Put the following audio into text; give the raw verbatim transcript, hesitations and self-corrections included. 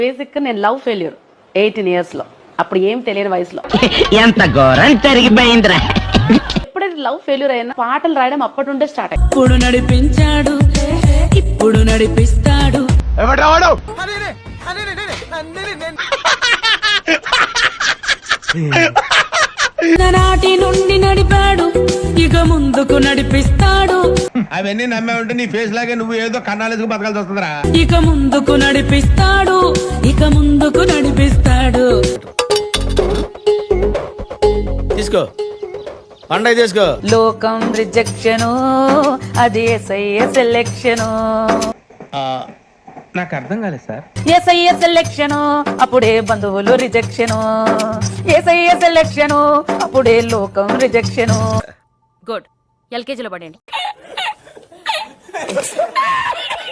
Basic నేను love failure eighteen years లో, అప్పుడు ఏం తెలియని వయసులో. ఎంత ఘోరం జరిగిపోయిందిరా. ఎప్పుడైతే లవ్ ఫెయిల్యూర్ అయినా పాటలు రాయడం అప్పటి నుండే స్టార్ట్ అయ్యింది. ఇప్పుడు నడిపించాడు, ఇప్పుడు నడిపిస్తాడు. నాటి నుండి నడిపాడు, ఇక ముందుకు నడిపిస్తాడు. అవన్నీ నమ్మే ఉంటే నీ ఫేస్ లాగే నువ్వు ఏదో కన్నాలేసుకు బతకాల్సి వస్తుందిరా. ఇక ముందుకు నడిపిస్తాడు, ఇక ముందుకు నడిపిస్తాడు. తీసుకో పండగ తీసుకో. లోకం రిజెక్షను, అది ఎస్ఐఏ సెలెక్షను. నాకు అర్థం కాలేదు సార్. ఎస్ఐఏ సెలెక్షను, అప్పుడే బంధువులు రిజెక్షను. ఎస్ఐఏ సెలెక్షను, అప్పుడే లోకం రిజెక్షను. గుడ్, ఎల్కేజీలో పడండి.